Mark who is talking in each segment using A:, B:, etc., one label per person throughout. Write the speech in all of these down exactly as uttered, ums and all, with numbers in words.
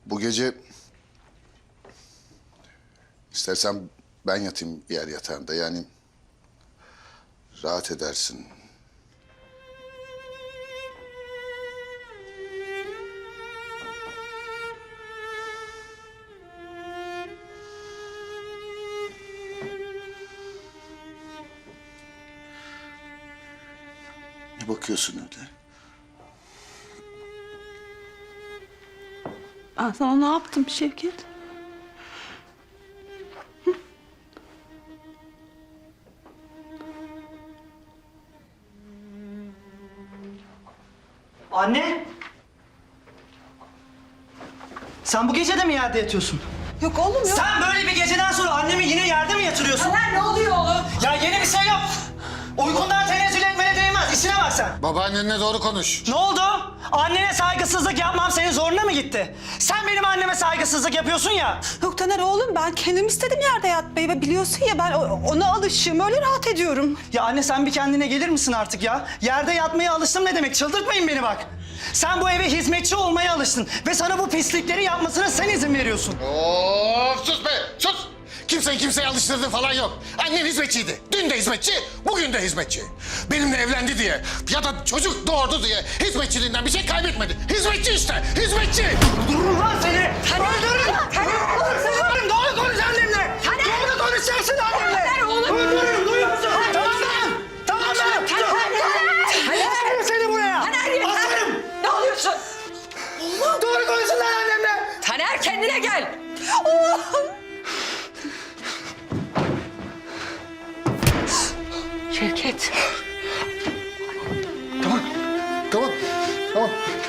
A: Bu gece istersen ben yatayım yer yatağında. Yani rahat edersin. Ne bakıyorsun öyle?
B: Ben sana ne yaptım Şevket?
C: Anne! Sen bu gece de mi yerde yatıyorsun?
B: Yok oğlum yok.
C: Sen böyle bir geceden sonra annemi yine yerde mi yatırıyorsun?
B: Taner ne oluyor oğlum?
C: Ya yeni bir şey yok. Uykundan tenezzül etmene değmez. İşine bak sen.
A: Babaannenle doğru konuş.
C: Ne oldu? Annene saygısızlık yapmam senin zoruna mı gitti? Sen benim anneme saygısızlık yapıyorsun ya.
B: Yok Taner oğlum ben kendim istedim yerde yatmayı ve biliyorsun ya ben o- ona alışığım öyle rahat ediyorum.
C: Ya anne sen bir kendine gelir misin artık ya? Yerde yatmaya alıştım ne demek? Çıldırtmayın beni bak. Sen bu eve hizmetçi olmaya alıştın ve sana bu pislikleri yapmasına sen izin veriyorsun.
A: Of sus be sus. Kimseyi kimseye alıştırdığı falan yok. Annen hizmetçiydi. Dün de hizmetçi, bugün de hizmetçi. Benimle evlendi diye ya da çocuk doğurdu diye hizmetçiliğinden bir şey kaybetmedi. Hizmetçi işte, hizmetçi.
C: Öldürürüm lan seni!
B: Taner!
C: Öldürürüm!
B: Taner!
C: Öldürürüm! Doğru konuş annemle!
B: Taner!
C: Doğru konuşacaksın annemle!
B: Taner, oğlum!
C: Öldürürüm, duyuyor musun? Tamam lan! Tamam lan!
B: Taner! Taner!
C: Asarım seni buraya!
B: Taner yeter!
C: Asarım!
B: Ne oluyorsun?
C: Doğru konuşun lan annemle!
B: Taner kendine gel! Allah'ım! Şevket.
A: Tamam, tamam, tamam.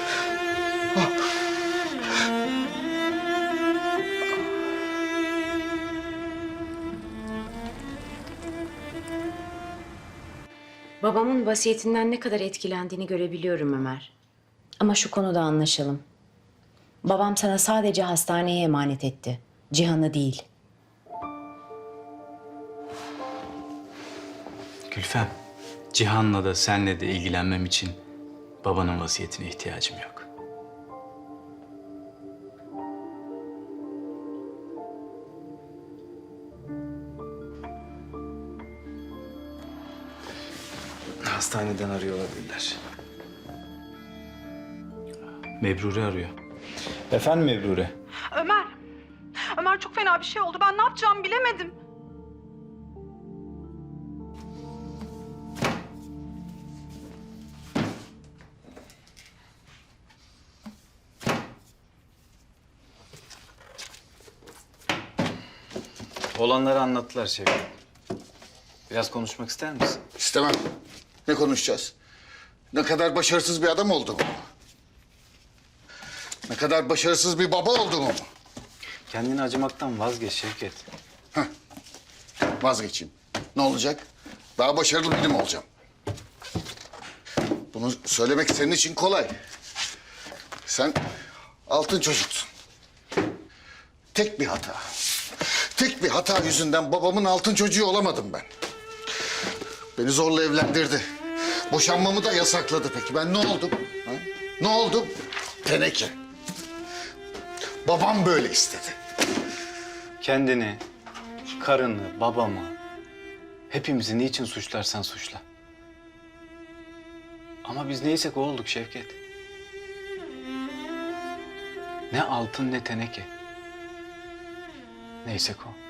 D: Babamın vasiyetinden ne kadar etkilendiğini görebiliyorum Ömer. Ama şu konuda anlaşalım. Babam sana sadece hastaneye emanet etti. Cihan'ı değil.
E: Gülfem, Cihan'la da senle de ilgilenmem için babanın vasiyetine ihtiyacım yok.
F: Hastaneden arıyor olabilirler.
E: Mebrure arıyor. Efendim Mebrure?
G: Ömer, Ömer çok fena bir şey oldu. Ben ne yapacağımı bilemedim.
E: Olanları anlattılar Şevket. Biraz konuşmak ister misin?
A: İstemem. Ne konuşacağız? Ne kadar başarısız bir adam olduğumu mu? Ne kadar başarısız bir baba olduğumu mu?
E: Kendini acımaktan vazgeç Şevket.
A: Vazgeçeyim. Ne olacak? Daha başarılı biri mi olacağım? Bunu söylemek senin için kolay. Sen altın çocuksun. Tek bir hata. Tek bir hata yüzünden babamın altın çocuğu olamadım ben. Beni zorla evlendirdi. Boşanmamı da yasakladı peki. Ben ne oldum? Ha? Ne oldum? Teneke. Babam böyle istedi.
E: Kendini, karını, babamı, hepimizi niçin suçlarsan suçla. Ama biz neysek o olduk Şevket. Ne altın ne teneke. Neysek o.